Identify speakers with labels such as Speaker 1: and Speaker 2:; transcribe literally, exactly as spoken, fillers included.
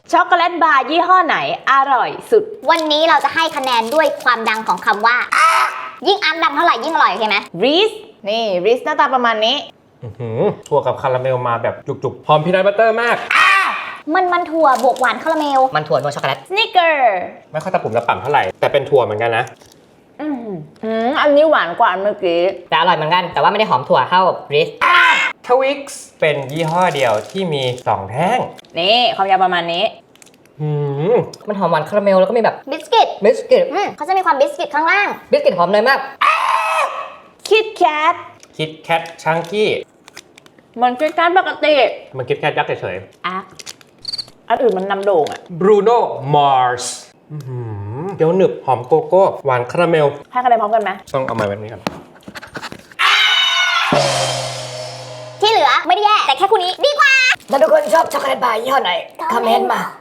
Speaker 1: ช็อกโกแลตบาร์ยี่ห้อไหนอร่อยสุด
Speaker 2: วันนี้เราจะให้คะแนนด้วยความดังของคำว่ายิ่งอัพดังเท่าไหร่ยิ่งอร่อยโอเคไหม
Speaker 1: ริสนี่ริสหน้าตาประมาณนี้
Speaker 3: ถั่วกับคาราเมลมาแบบจุกๆหอมพีนัทบัตเตอร์มาก
Speaker 2: มันมันถั่วบวกหวานคาราเมลมันถั่วนวลช็อกโกแลต
Speaker 1: สนิกเกอร์
Speaker 3: ไม่ค่อยตะปุ่มตะป่ำเท่าไหร่แต่เป็นถั่วเหมือนกันนะ
Speaker 1: อืมอืมอันนี้หวานกว่าอันเมื่อกี้
Speaker 4: แต่อร่อยเหมือนกันแต่ว่าไม่ได้หอมถั่วเท่าริส
Speaker 3: ทวิกซ์เป็นยี่ห้อเดียวที่มีสองแท่ง
Speaker 1: นี่ความยาวประมาณนี้
Speaker 3: หืม
Speaker 4: มันหอมหวานคาราเมลแล้วก็มีแบบ
Speaker 2: บิสกิต
Speaker 4: บิสกิต
Speaker 2: อืมเขาจะมีความบิสกิตข้างล่าง
Speaker 4: บิสกิตหอมเนยมาก
Speaker 1: คิดแคท
Speaker 3: คิดแคทชังกี้
Speaker 1: มันคิดแคทปกติ
Speaker 3: มันคิดแคทยักษ์เฉย
Speaker 1: อ่ะอันอื่นมันนำโด่งอ่ะ
Speaker 3: บรูโน่มาร์สเดี๋ยวหนึบหอมโกโก้หวานคาราเมล
Speaker 1: ให้คะแนนพร้อมกันไหม
Speaker 3: ต้องเอามาแบบนี้ก่อน
Speaker 2: ที่เหลือไม่ได้แย่แต่แค่คู่นี้ดีกว่า
Speaker 4: ถ้าทุกคนชอบช็อกโกแลตบาร์ยี่ห้อไหนคอมเมนต์มา